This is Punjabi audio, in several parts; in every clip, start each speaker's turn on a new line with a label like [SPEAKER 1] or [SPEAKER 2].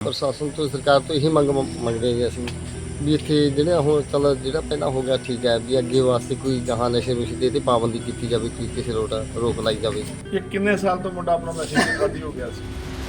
[SPEAKER 1] ਪ੍ਰਸ਼ਾਸਨ ਤੋਂ ਸਰਕਾਰ ਤੋਂ ਇਹੀ ਮੰਗਦੇ ਜੀ ਅਸੀਂ ਵੀ ਇੱਥੇ ਜਿਹੜੇ ਹੁਣ ਚੱਲ ਜਿਹੜਾ ਪਹਿਲਾਂ ਹੋ ਗਿਆ ਠੀਕ ਹੈ ਵੀ ਅੱਗੇ ਵਾਸਤੇ ਕੋਈ ਜਹਾਂ ਨਸ਼ੇ ਨੁਸ਼ੇ 'ਤੇ ਪਾਬੰਦੀ ਕੀਤੀ ਜਾਵੇ ਕਿ ਕਿਸੇ ਰੋਕ ਲਾਈ ਜਾਵੇ।
[SPEAKER 2] ਇਹ ਕਿੰਨੇ ਸਾਲ ਤੋਂ ਮੁੰਡਾ ਆਪਣਾ ਨਸ਼ੇ ਦੀ ਆਦੀ ਹੋ ਗਿਆ ਸੀ?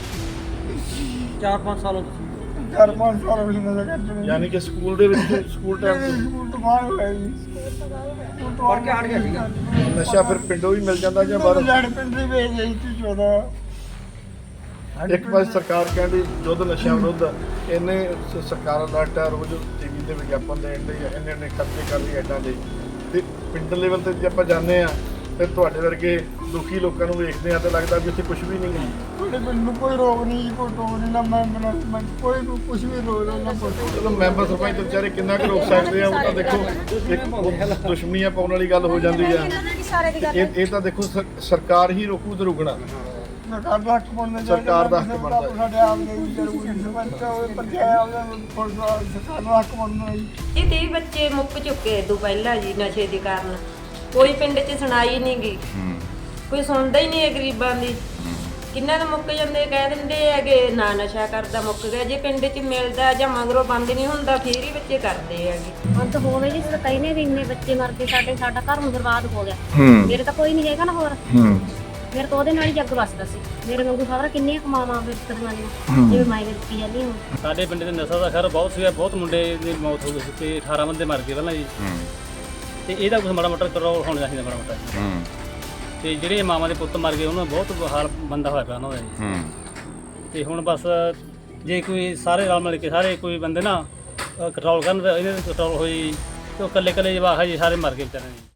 [SPEAKER 3] 4-5 ਸਾਲ
[SPEAKER 4] 4-5 ਸਾਲ ਹੋ ਗਏ ਨਸ਼ਾ ਕਰਦੇ
[SPEAKER 2] ਯਾਨੀ ਕਿ ਸਕੂਲ ਦੇ ਵਿੱਚ ਸਕੂਲ ਟਾਈਮ
[SPEAKER 4] ਸਕੂਲ ਤੋਂ ਬਾਹਰ ਹੋਇਆ ਜੀ
[SPEAKER 3] ਪੜ੍ਹ ਕੇ ਹਟ ਗਿਆ ਸੀਗਾ।
[SPEAKER 2] ਨਸ਼ਾ ਫਿਰ ਪਿੰਡੋਂ ਹੀ ਮਿਲ ਜਾਂਦਾ ਜਾਂ ਬਾਹਰੋਂ?
[SPEAKER 4] ਲੜ ਪਿੰਡ ਦੇ ਵੇਚ ਗਈ ਸੀ 14
[SPEAKER 2] ਇੱਕ ਪਾਸੇ ਸਰਕਾਰ ਕਹਿੰਦੀ ਯੁੱਧ ਨਸ਼ਿਆਂ ਵਿਰੁੱਧ ਇਹਨੇ ਸਰਕਾਰ ਅਲਰਟ ਹੈ, ਰੋਜ਼ ਟੀਵੀ ਤੇ ਵਿਗਿਆਪਨ ਦੇਣ ਦੇ ਇਹਨੇ ਖਰਚੇ ਕਰ ਰਹੀ ਐਡਾਂ ਦੇ, ਤੇ ਪਿੰਡ ਲੈਵਲ ਤੇ ਜੇ ਆਪਾਂ ਜਾਂਦੇ ਆ ਤੇ ਤੁਹਾਡੇ ਵਰਗੇ ਦੁਖੀ ਲੋਕਾਂ ਨੂੰ ਵੇਖਦੇ ਆ ਤੇ ਲੱਗਦਾ ਵੀ ਇੱਥੇ ਕੁਝ ਵੀ ਨਹੀਂ ਹੈ।
[SPEAKER 4] ਤੁਹਾਡੇ ਪਿੰਡ ਨੂੰ ਕੋਈ ਰੋਗ ਨਹੀਂ, ਕੋਈ ਟੋਕ ਨਹੀਂ, ਨਾ ਮੈਂ ਕੋਈ ਕੁਝ ਵੀ ਰੋਗ ਨਾ ਕੋਈ।
[SPEAKER 2] ਚਲੋ ਮੈਂਬਰ ਸਰਪੰਚ ਤੇ ਵਿਚਾਰੇ ਕਿੰਨਾ ਕੁ ਰੋਕ ਸਕਦੇ ਆ, ਉਹ ਤਾਂ ਦੇਖੋ ਇੱਕ ਦੁਸ਼ਮਣੀਆਂ ਪਾਉਣ ਵਾਲੀ ਗੱਲ ਹੋ ਜਾਂਦੀ ਆ। ਇਹ ਤਾਂ ਦੇਖੋ ਸਰਕਾਰ ਹੀ ਰੋਕੂ ਤੇ ਰੁਕਣਾ
[SPEAKER 4] ਸਰਕਾਰ ਦਾ ਹੱਕ ਬਣਦਾ,
[SPEAKER 2] ਸਰਕਾਰ ਦਾ ਹੱਕ ਬਣਦਾ।
[SPEAKER 4] ਸਾਡੇ ਆਪ ਦੇ ਵੀ ਜ਼ਰੂਰੀ ਸਰਪੰਚ ਹੋਵੇ ਪੰਚਾਇਤ ਸਰਕਾਰ ਦਾ ਹੱਕ ਬਣਦਾ ਜੀ।
[SPEAKER 5] ਇਹ 30 ਬੱਚੇ ਮੁੱਕ ਚੁੱਕੇ ਤੋਂ ਪਹਿਲਾਂ ਜੀ ਨਸ਼ੇ ਦੇ ਕਾਰਨ। ਕੋਈ ਪਿੰਡ 'ਚ ਸੁਣਾਈ ਨਹੀਂ ਗਈ, ਕੋਈ ਸੁਣਦਾ ਹੀ ਨਹੀਂ ਹੈ ਗਰੀਬਾਂ ਦੀ। ਕਿੰਨਾ ਨੂੰ ਮੁੱਕ ਜਾਂਦੇ, ਕਹਿ ਦਿੰਦੇ ਹੈਗੇ ਨਾ ਨਸ਼ਾ ਕਰਦਾ ਮੁੱਕ ਗਿਆ। ਜੇ ਪਿੰਡ 'ਚ ਮਿਲਦਾ ਜਾਂ ਮਗਰੋਂ ਬੰਦ ਨਹੀਂ ਹੁੰਦਾ ਫਿਰ ਹੀ ਬੱਚੇ ਕਰਦੇ ਹੈਗੇ।
[SPEAKER 6] ਹੁਣ ਤਾਂ ਹੋਵੇ ਜੀ ਕਈ ਨੇ ਵੀ ਇੰਨੇ ਬੱਚੇ ਮਰ ਗਏ, ਸਾਡਾ ਘਰ ਹੁਣ ਬਰਬਾਦ ਹੋ ਗਿਆ। ਮੇਰੇ ਤਾਂ ਕੋਈ ਨਹੀਂ ਹੈਗਾ ਨਾ ਹੋਰ, ਮੇਰੇ ਤਾਂ ਉਹਦੇ ਨਾਲ ਹੀ ਜੱਗ ਵੱਸਦਾ ਸੀ। ਮੇਰੇ ਵਾਂਗੂ ਖਬਰ ਕਿੰਨੀਆਂ ਕਮਾਵਾਂ ਬਿਸਤਰੀਆਂ ਦੀਆਂ ਜਿਵੇਂ ਮਾਈ ਦੇ ਦਿੱਤੀ ਜਾਂਦੀ ਹੁਣ।
[SPEAKER 3] ਸਾਡੇ ਪਿੰਡ ਦੇ ਨਸ਼ਾ ਦਾ ਖੈਰ ਬਹੁਤ ਸੀਗਾ, ਬਹੁਤ ਮੁੰਡੇ ਦੀ ਮੌਤ ਹੋ ਗਈ ਸੀ ਤੇ 18 ਬੰਦੇ ਮਰ ਗਏ ਪਹਿਲਾਂ ਜੀ। ਤੇ ਇਹਦਾ ਕੁਝ ਮਾੜਾ ਮੋਟਾ ਕੰਟਰੋਲ ਹੋਣਾ ਚਾਹੀਦਾ, ਮਾੜਾ ਮੋਟਾ। ਤੇ ਜਿਹੜੇ ਮਾਵਾਂ ਦੇ ਪੁੱਤ ਮਰ ਗਏ ਉਹਨਾਂ ਦਾ ਬਹੁਤ ਹਾਲ ਮੰਦਾ ਹੋਇਆ ਪਿਆ ਉਹਨਾਂ ਦਾ ਜੀ। ਤੇ ਹੁਣ ਬਸ ਜੇ ਕੋਈ ਸਾਰੇ ਰਲ ਮਿਲ ਕੇ ਸਾਰੇ ਕੋਈ ਬੰਦੇ ਨਾ ਕੰਟਰੋਲ ਕਰਨ, ਇਹਦੇ ਕੰਟਰੋਲ ਹੋਈ ਤੇ ਉਹ ਇਕੱਲੇ ਜਵਾਕ ਹੈ ਜੀ ਸਾਰੇ ਮਰ ਗਏ ਵਿਚਾਰੇ।